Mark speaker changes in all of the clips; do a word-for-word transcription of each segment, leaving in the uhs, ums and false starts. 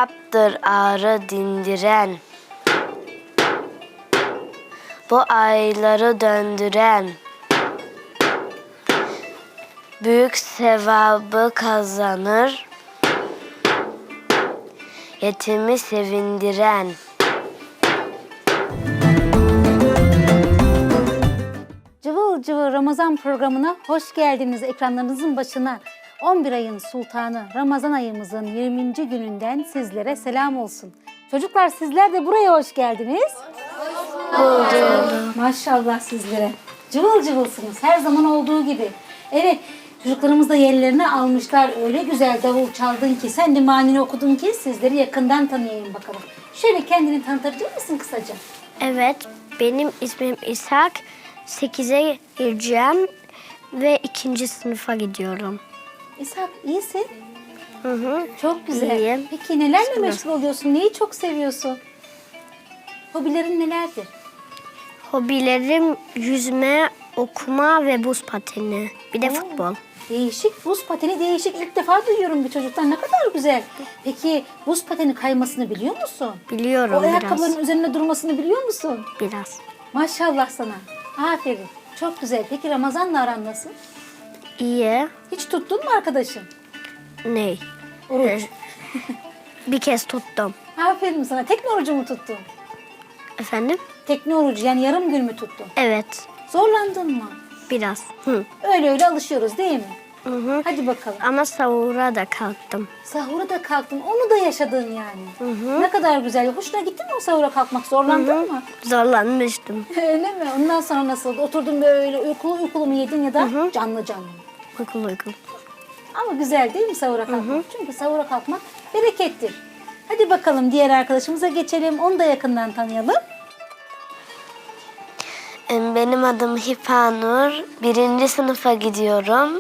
Speaker 1: İshak'tır ağrı dindiren, bu ayları döndüren, büyük sevabı kazanır, yetimi sevindiren.
Speaker 2: Cıvıl cıvıl Ramazan programına hoş geldiniz ekranlarınızın başına. on bir ayın sultanı Ramazan ayımızın yirminci gününden sizlere selam olsun. Çocuklar sizler de buraya hoş geldiniz. Hoş bulduk. Maşallah sizlere. Cıvıl cıvılsınız her zaman olduğu gibi. Evet, çocuklarımız da yerlerini almışlar. Öyle güzel davul çaldın ki, sen de manini okudun ki sizleri yakından tanıyayım bakalım. Şöyle kendini tanıtabilir misin kısaca?
Speaker 1: Evet, benim ismim İshak. sekize gireceğim ve ikinci sınıfa gidiyorum.
Speaker 2: İshak, iyisin.
Speaker 1: Hı hı.
Speaker 2: Çok güzel.
Speaker 1: İyiyim.
Speaker 2: Peki nelerle
Speaker 1: Teşekkürler.
Speaker 2: meşgul oluyorsun? Neyi çok seviyorsun? Hobilerin nelerdir?
Speaker 1: Hobilerim yüzme, okuma ve buz pateni. Bir de
Speaker 2: Oo.
Speaker 1: futbol.
Speaker 2: Değişik, buz pateni değişik. İlk defa duyuyorum bir çocuktan. Ne kadar güzel. Peki buz pateni kaymasını biliyor musun?
Speaker 1: Biliyorum
Speaker 2: O ayakkabıların
Speaker 1: biraz.
Speaker 2: üzerinde durmasını biliyor musun?
Speaker 1: Biraz.
Speaker 2: Maşallah sana. Aferin. Çok güzel. Peki Ramazan'la aran nasıl?
Speaker 1: İyi.
Speaker 2: Hiç tuttun mu arkadaşın?
Speaker 1: Ney?
Speaker 2: Oruç.
Speaker 1: Bir kez tuttum.
Speaker 2: Aferin sana. Tekne orucu mu tuttun?
Speaker 1: Efendim?
Speaker 2: Tekne orucu yani yarım gün mü tuttun?
Speaker 1: Evet.
Speaker 2: Zorlandın mı?
Speaker 1: Biraz. Hı.
Speaker 2: Öyle öyle alışıyoruz değil mi?
Speaker 1: Hı hı.
Speaker 2: Hadi bakalım.
Speaker 1: Ama sahura da kalktım.
Speaker 2: Sahura da kalktın. Onu da yaşadın yani. Hı hı. Ne kadar güzel. Hoşuna gitti mi o sahura kalkmak? Zorlandın
Speaker 1: Hı hı.
Speaker 2: mı?
Speaker 1: Zorlanmıştım.
Speaker 2: Öyle mi? Ondan sonra nasıl? Oturdun böyle uykulu uykulu mu yedin ya da
Speaker 1: Hı hı.
Speaker 2: canlı canlı mı?
Speaker 1: Uykulu uykulu.
Speaker 2: Ama güzel değil mi sahura kalkmak? Hı hı. Çünkü sahura kalkmak berekettir. Hadi bakalım diğer arkadaşımıza geçelim. Onu da yakından tanıyalım.
Speaker 1: Benim adım Hifanur. Birinci sınıfa gidiyorum.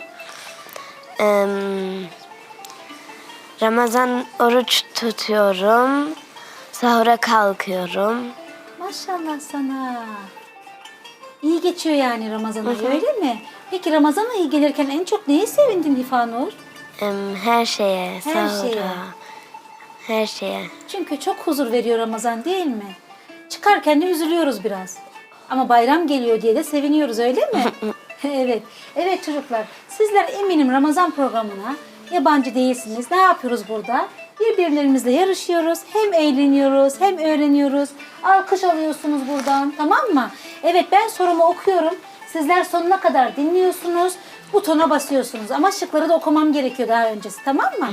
Speaker 1: Ramazan oruç tutuyorum. Sahura kalkıyorum.
Speaker 2: Maşallah sana. İyi geçiyor yani Ramazan ayı, öyle mi? Peki Ramazan ayı gelirken en çok neye sevindin Hifanur?
Speaker 1: Her şeye,
Speaker 2: Her
Speaker 1: sahura.
Speaker 2: şeye.
Speaker 1: Her şeye.
Speaker 2: Çünkü çok huzur veriyor Ramazan değil mi? Çıkarken de üzülüyoruz biraz. Ama bayram geliyor diye de seviniyoruz, öyle mi? Evet. Evet çocuklar, sizler eminim Ramazan programına yabancı değilsiniz. Ne yapıyoruz burada? Birbirlerimizle yarışıyoruz. Hem eğleniyoruz hem öğreniyoruz. Alkış alıyorsunuz buradan, tamam mı? Evet, ben sorumu okuyorum. Sizler sonuna kadar dinliyorsunuz. Butona basıyorsunuz. Ama şıkları da okumam gerekiyor daha öncesi, tamam mı?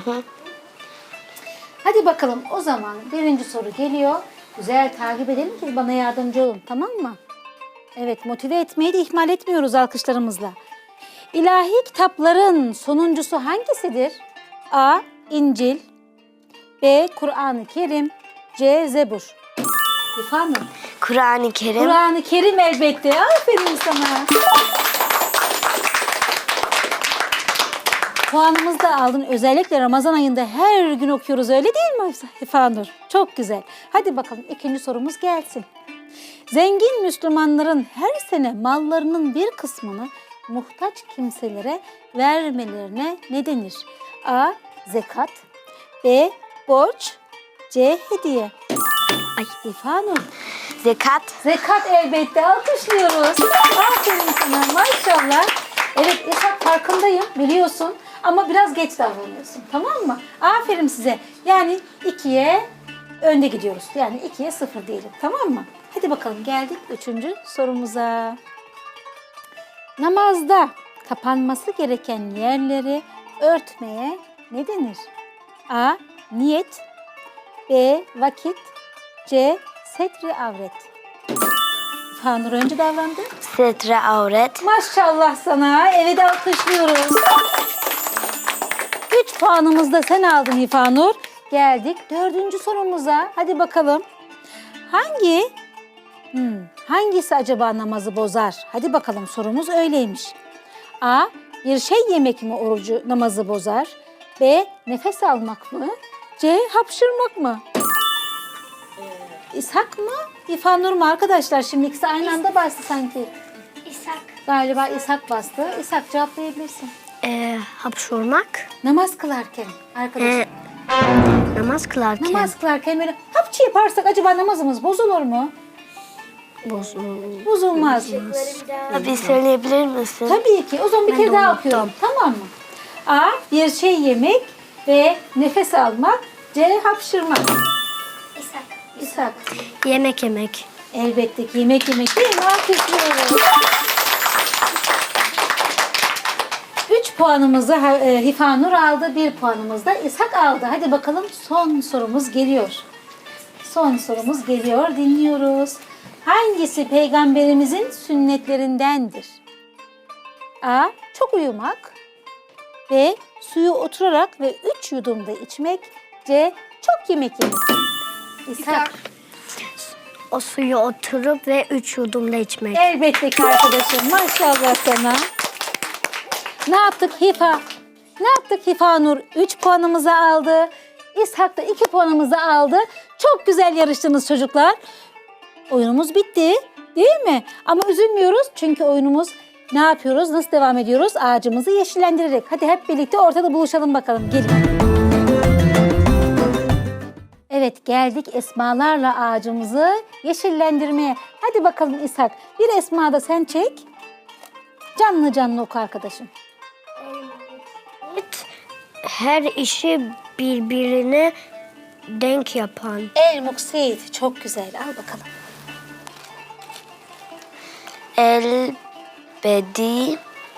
Speaker 2: Hadi bakalım, o zaman birinci soru geliyor. Güzel takip edelim ki bana yardımcı olun, tamam mı? Evet, motive etmeyi de ihmal etmiyoruz alkışlarımızla. İlahi kitapların sonuncusu hangisidir? A. İncil, B. Kur'an-ı Kerim, C. Zebur. İfanur.
Speaker 1: Kur'an-ı Kerim.
Speaker 2: Kur'an-ı Kerim elbette. Aferin sana. Puanımızı da aldın. Özellikle Ramazan ayında her gün okuyoruz, öyle değil mi İfanur? Çok güzel. Hadi bakalım ikinci sorumuz gelsin. Zengin Müslümanların her sene mallarının bir kısmını muhtaç kimselere vermelerine ne denir? A. Zekat, B. Borç, C. Hediye. Ay İfanur.
Speaker 1: Zekat.
Speaker 2: Zekat elbette, alkışlıyoruz. Aferin sana, maşallah. Evet İshak, farkındayım biliyorsun ama biraz geç davranıyorsun, tamam mı? Aferin size. Yani ikiye önde gidiyoruz. Yani ikiye sıfır diyelim, tamam mı? Hadi bakalım, geldik üçüncü sorumuza. Namazda kapanması gereken yerleri örtmeye ne denir? A. Niyet, B. Vakit, C. Setri avret. Fanur önce davrandı.
Speaker 1: Setre avret.
Speaker 2: Maşallah sana. Evet, alkışlıyoruz. Üç puanımızı da sen aldın İfanur. Geldik dördüncü sorumuza. Hadi bakalım. Hangi hmm, hangisi acaba namazı bozar? Hadi bakalım, sorumuz öyleymiş. A. Bir şey yemek mi orucu namazı bozar? B. Nefes almak mı? C. Hapşırmak mı? İshak mı? İfanur mu arkadaşlar? Şimdi ikisi aynı anda bastı sanki.
Speaker 1: İshak.
Speaker 2: Galiba İshak bastı. İshak, cevaplayabilirsin.
Speaker 1: Ee, hapşurmak.
Speaker 2: Namaz kılarken arkadaşlar.
Speaker 1: Ee, Namaz kılarken.
Speaker 2: Namaz kılarken böyle hapçı yaparsak acaba namazımız bozulur mu?
Speaker 1: Bozulur.
Speaker 2: Bozulmaz.
Speaker 1: Bir söyleyebilir misin?
Speaker 2: Tabii ki. O zaman bir
Speaker 1: Ben
Speaker 2: kere
Speaker 1: de
Speaker 2: daha
Speaker 1: unuttum.
Speaker 2: okuyorum. Tamam mı? A. Bir şey yemek ve nefes almak. C. Hapşırmak. İshak. İshak.
Speaker 1: Yemek yemek.
Speaker 2: Elbette ki yemek yemek değil mi? Alkışlıyoruz. Üç puanımızı e, Hifanur aldı. Bir puanımız da İshak aldı. Hadi bakalım son sorumuz geliyor. Son sorumuz geliyor. Dinliyoruz. Hangisi peygamberimizin sünnetlerindendir? A. Çok uyumak. B. Suyu oturarak ve üç yudumda içmek. C. Çok yemek yemek. İshak.
Speaker 1: O suyu oturup ve üç yudumda içmek.
Speaker 2: Elbette ki arkadaşım. Maşallah sana. Ne yaptık Hifa? Ne yaptık Hifanur? üç puanımızı aldı. İshak da iki puanımızı aldı. Çok güzel yarıştınız çocuklar. Oyunumuz bitti. Değil mi? Ama üzülmüyoruz çünkü oyunumuz ne yapıyoruz? Nasıl devam ediyoruz? Ağacımızı yeşillendirerek. Hadi hep birlikte ortada buluşalım bakalım. Gelin. Evet, geldik esmalarla ağacımızı yeşillendirmeye. Hadi bakalım İshak. Bir esma da sen çek. Canlı canlı oku arkadaşım.
Speaker 1: Her işi birbirine denk yapan.
Speaker 2: El muksit. Çok güzel. Al bakalım.
Speaker 1: El bedi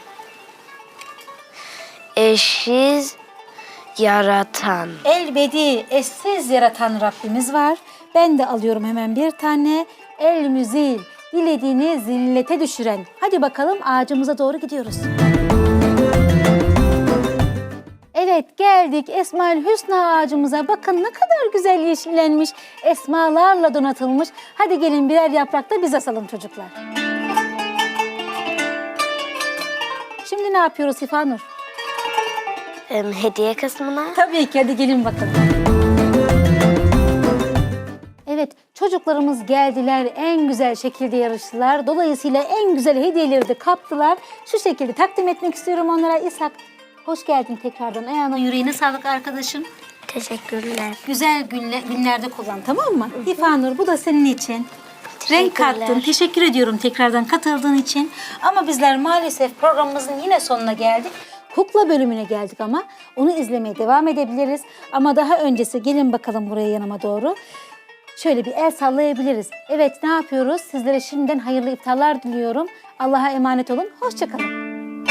Speaker 1: eşsiz yaratan.
Speaker 2: Elbedi, eşsiz yaratan Rabbimiz var. Ben de alıyorum hemen bir tane. El müzil, dilediğini zillete düşüren. Hadi bakalım ağacımıza doğru gidiyoruz. Evet, geldik Esmaül Hüsna ağacımıza. Bakın ne kadar güzel yeşillenmiş, esmalarla donatılmış. Hadi gelin birer yaprakta biz asalım çocuklar. Şimdi ne yapıyoruz Hifanur?
Speaker 1: Hediye kısmına.
Speaker 2: Tabii ki, hadi gelin bakalım. Evet, çocuklarımız geldiler, en güzel şekilde yarıştılar. Dolayısıyla en güzel hediyeleri de kaptılar. Şu şekilde takdim etmek istiyorum onlara. İshak, hoş geldin tekrardan. Ayağına yüreğine sağlık arkadaşım.
Speaker 1: Teşekkürler.
Speaker 2: Güzel günle, günlerde kullan, tamam mı? Hifanur, bu da senin için. Renk kattın. Teşekkür ediyorum tekrardan katıldığın için. Ama bizler maalesef programımızın yine sonuna geldik. Kukla bölümüne geldik ama onu izlemeye devam edebiliriz. Ama daha öncesi gelin bakalım buraya yanıma doğru. Şöyle bir el sallayabiliriz. Evet, ne yapıyoruz? Sizlere şimdiden hayırlı iftarlar diliyorum. Allah'a emanet olun. Hoşça kalın.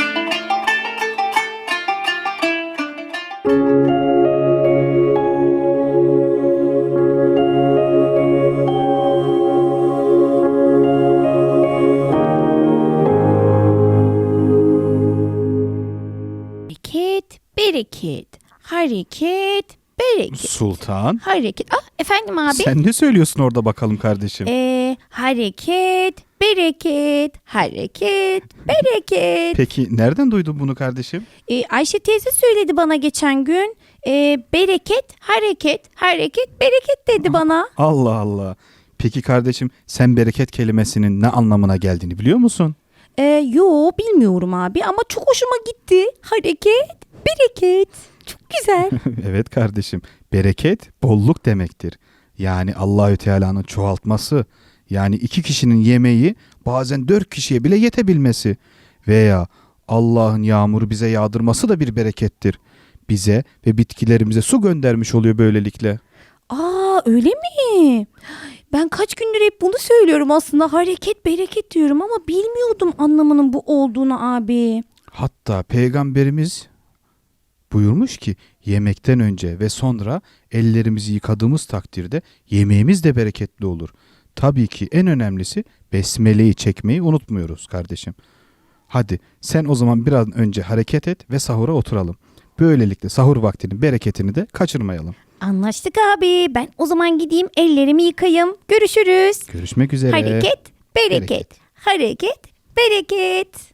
Speaker 3: Hareket, bereket. Hareket, bereket.
Speaker 4: Sultan,
Speaker 3: Hareket. Ah, efendim abi.
Speaker 4: sen ne söylüyorsun orada bakalım kardeşim?
Speaker 3: Ee, hareket, bereket. Hareket, bereket.
Speaker 4: Peki nereden duydun bunu kardeşim?
Speaker 3: Ee, Ayşe teyze söyledi bana geçen gün. Ee, bereket, hareket, hareket, bereket dedi bana.
Speaker 4: Allah Allah. Peki kardeşim, sen bereket kelimesinin ne anlamına geldiğini biliyor musun?
Speaker 3: Ee, yo bilmiyorum abi ama çok hoşuma gitti. Hareket, bereket. Çok güzel.
Speaker 4: Evet kardeşim, bereket bolluk demektir. Yani Allahü Teala'nın çoğaltması, yani iki kişinin yemeği bazen dört kişiye bile yetebilmesi veya Allah'ın yağmuru bize yağdırması da bir berekettir. Bize ve bitkilerimize su göndermiş oluyor böylelikle.
Speaker 3: Aa, öyle mi? Ben kaç gündür hep bunu söylüyorum aslında. Hareket, bereket diyorum ama bilmiyordum anlamının bu olduğunu abi.
Speaker 4: Hatta Peygamberimiz buyurmuş ki yemekten önce ve sonra ellerimizi yıkadığımız takdirde yemeğimiz de bereketli olur. Tabii ki en önemlisi besmeleyi çekmeyi unutmuyoruz kardeşim. Hadi sen o zaman biraz önce hareket et ve sahura oturalım. Böylelikle sahur vaktinin bereketini de kaçırmayalım.
Speaker 3: Anlaştık abi. Ben o zaman gideyim ellerimi yıkayayım. Görüşürüz.
Speaker 4: Görüşmek üzere.
Speaker 3: Hareket, bereket.
Speaker 4: Bereket.
Speaker 3: Hareket, bereket.